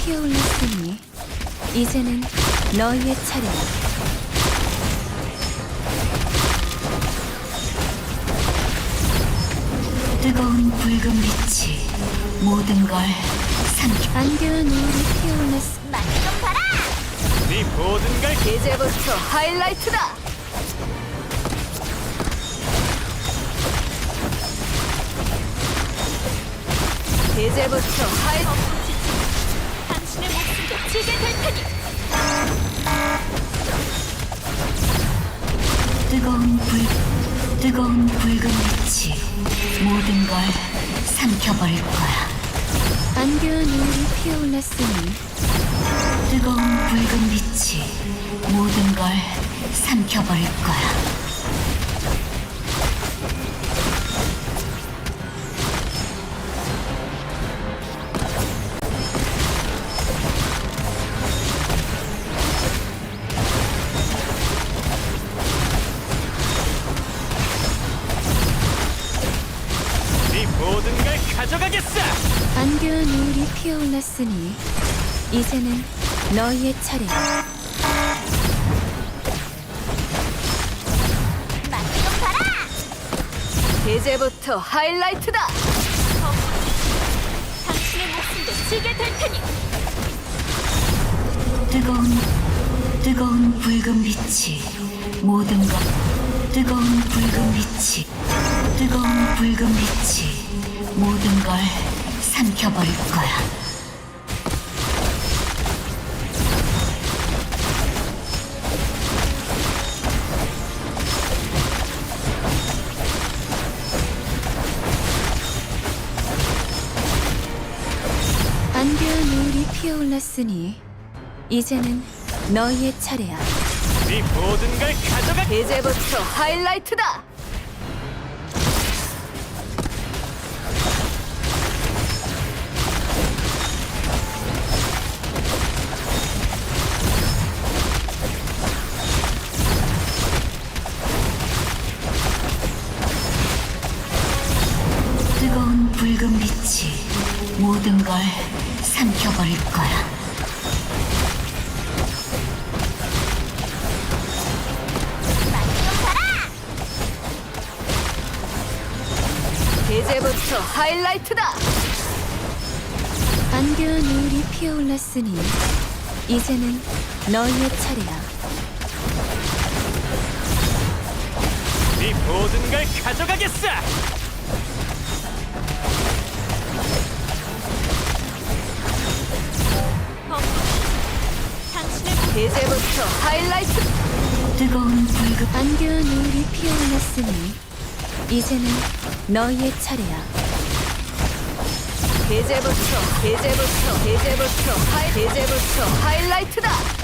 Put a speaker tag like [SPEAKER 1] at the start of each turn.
[SPEAKER 1] 피어올랐으니 이제는 너희의 차례야.
[SPEAKER 2] 뜨거운 붉은 빛이 모든 걸 삼켜.
[SPEAKER 1] 안개와 노을이 피어올랐으니
[SPEAKER 3] 맛좀 봐라!
[SPEAKER 4] 네 모든 걸
[SPEAKER 3] 이제부터 하이라이트다! 이제부터 당신의 목숨도 지게 될 테니!
[SPEAKER 2] 뜨거운 붉은 빛이 모든 걸 삼켜버릴 거야.
[SPEAKER 1] 안개와 노을이 피어올랐으니
[SPEAKER 2] 뜨거운 붉은 빛이 모든 걸 삼켜버릴 거야.
[SPEAKER 4] 네 모든 걸 가져가겠어.
[SPEAKER 1] 안개와 노을이 피어올랐으니 이제는 너희의 차례야.
[SPEAKER 3] 맛좀 봐라! 이제부터 하이라이트다! 당신의 목숨도 지게 될 테니!
[SPEAKER 2] 뜨거운 붉은 빛이 모든 것. 뜨거운 붉은 빛이 모든 걸 삼켜버릴 거야.
[SPEAKER 1] 안개와 노을이 피어올랐으니 이제는 너희의 차례야.
[SPEAKER 4] 네 모든 걸 가져가.
[SPEAKER 3] 이제부터 하이라이트다!
[SPEAKER 2] 뜨거운 붉은 빛이 모든 걸 삼켜버릴 거야.
[SPEAKER 3] 맛좀 봐라! 이제부터 하이라이트다!
[SPEAKER 1] 안개와 노을이 피어올랐으니 이제는 너희의 차례야.
[SPEAKER 4] 네 모든 걸 가져가겠어.
[SPEAKER 3] 이제부터 하이라이트!
[SPEAKER 1] 안개와 노을이 피어올랐으니 이제는 너희의 차례야.
[SPEAKER 3] 이제부터 하이라이트다!